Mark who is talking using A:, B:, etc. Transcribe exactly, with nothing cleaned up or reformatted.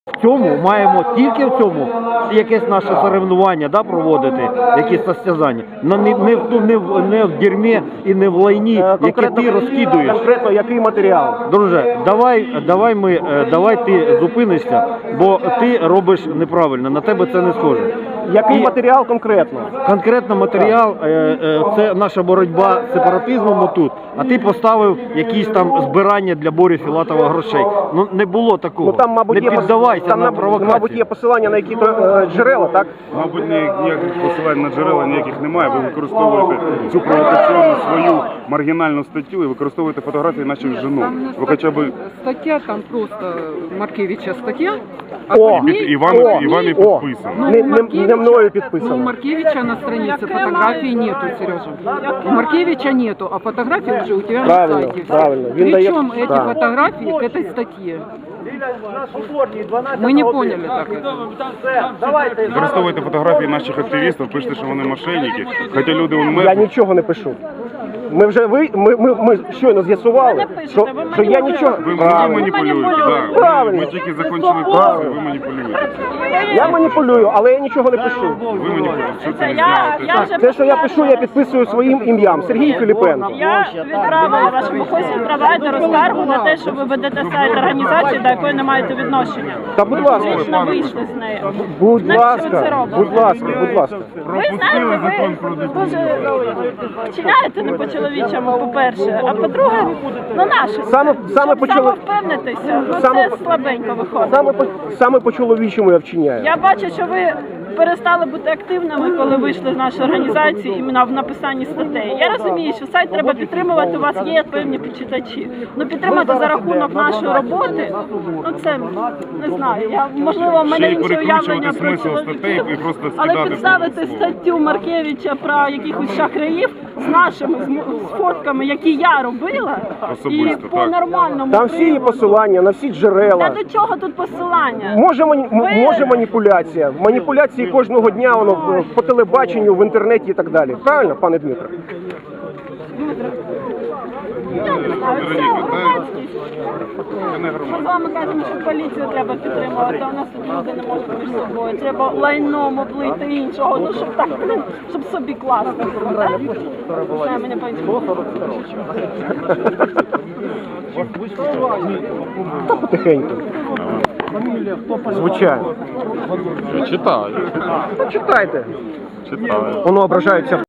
A: В цьому маємо тільки в цьому якесь наше соревнування, да, проводити, якісь состязання. Но не, не, в, не, в, не в дерьмі і не в лайні, яке ти розкидуєш.
B: Конкретно який матеріал?
A: Друже, давай, давай, ми, давай ти зупинишся, бо ти робиш неправильно, на тебе це не схоже.
B: Який
A: І
B: матеріал конкретно?
A: конкретно матеріал е, е, це наша боротьба з сепаратизмом отут, а ти поставив якісь там збирання для Борі Філатова грошей. Ну не було такого.
B: Ну, там, мабуть,
A: не
B: є,
A: піддавайся
B: там,
A: на провокацію.
B: мабуть, є посилання на які-то е, джерела, так?
C: Мабуть, ніяких посилань на джерела ніяких немає. Ви використовуєте цю провокаційну свою маргінальну статтю і використовуєте фотографії наших жінок. Ви хоча б
D: Стаття там просто Маркевича стаття. А
B: О!
D: под ней-
C: і вами,
B: О!
C: і вами
B: О!
C: підписано.
D: Ну,
B: Не-
D: у
B: не-
D: Маркевича-
B: не мною
D: Но у
B: підписано.
D: Маркевича на странице фотографии нету, Сережа. У Маркевича нету, а фотографии уже у тебя
B: Правильно,
D: на сайте.
B: правильно. Він дає-
D: Причем эти
B: да.
D: фотографии к этой статье. Мы не поняли так это.
C: Використовуєте фотографії наших активістів, пишете, що вони мошенники. Хоча люди у
B: Я
C: мене
B: нічого не пишу. Ми вже ви, ми, ми, ми щойно з'ясували, що, що я нічого.
C: ви
B: Правильно.
C: маніпулюєте. Да.
B: Правильно.
C: Ми тільки закінчили працю, ви маніпулюєте.
B: Я маніпулюю, але я нічого не пишу.
C: Ви маніпулюєте. Що це не
E: Я, я
C: знаєте?
E: вже
B: Те, що я пишу, я підписую своїм ім'ям. Сергій Філіпенко.
E: я відправила вашому хостю провайдеру скаргу на те, що ви ведете сайт організації, до якої не маєте відношення.
B: Та будь ласка,
E: Фактично вийшли з нею.
B: будь
E: Навіщо ви це
B: ласка,
E: робите?
B: будь ласка, будь ласка.
E: Ви знаєте, ви дуже вчиняєте не по-чоловічому, по-перше, а по-друге, ну наше.
B: Саме- саме
E: Щоб
B: по-чоло-
E: самовпевнитися, ну
B: Саме-
E: це слабенько виходить.
B: Саме по, саме по чоловічому я вчиняю.
E: Я бачу, що ви перестали бути активними, коли вийшли з нашої організації іменно в написанні статей. Я розумію, що сайт треба підтримувати, у вас є певні почитачі. Ну підтримати за рахунок нашої роботи, ну це не знаю. Я можливо в мене
C: Ще й
E: інше
C: перекручувати
E: уявлення про
C: смисл статей і
E: чоловіків,
C: просто
E: але
C: скидати
E: підставити
C: слово.
E: статтю Маркевича про якихось шахраїв з нашими з м- з фотками, які я робила, і
C: Особисто,
E: по
C: так.
E: нормальному
B: Там всі є
E: приводу.
B: посилання на всі
E: Та
B: джерела.
E: до чого тут посилання?
B: Може, мані- м-
E: Ви-
B: може маніпуляція. Маніпуляції кожного дня воно в- по телебаченню, в інтернеті і так далі. Правильно, пане Дмитро?
E: Я не знаю, це
C: Вероніка,
E: громадськість.
C: Це не
E: Ми з
C: громадське.
E: вами кажемо, що поліцію треба підтримувати, а у нас тут люди не можуть між собою. Треба лайном облити іншого, ну щоб так, блін, щоб собі класно. Знаю, мене
B: Та потихеньку. Звичайно.
C: Читаю.
B: Ну, читайте.
C: Читаю.
B: Воно ображається.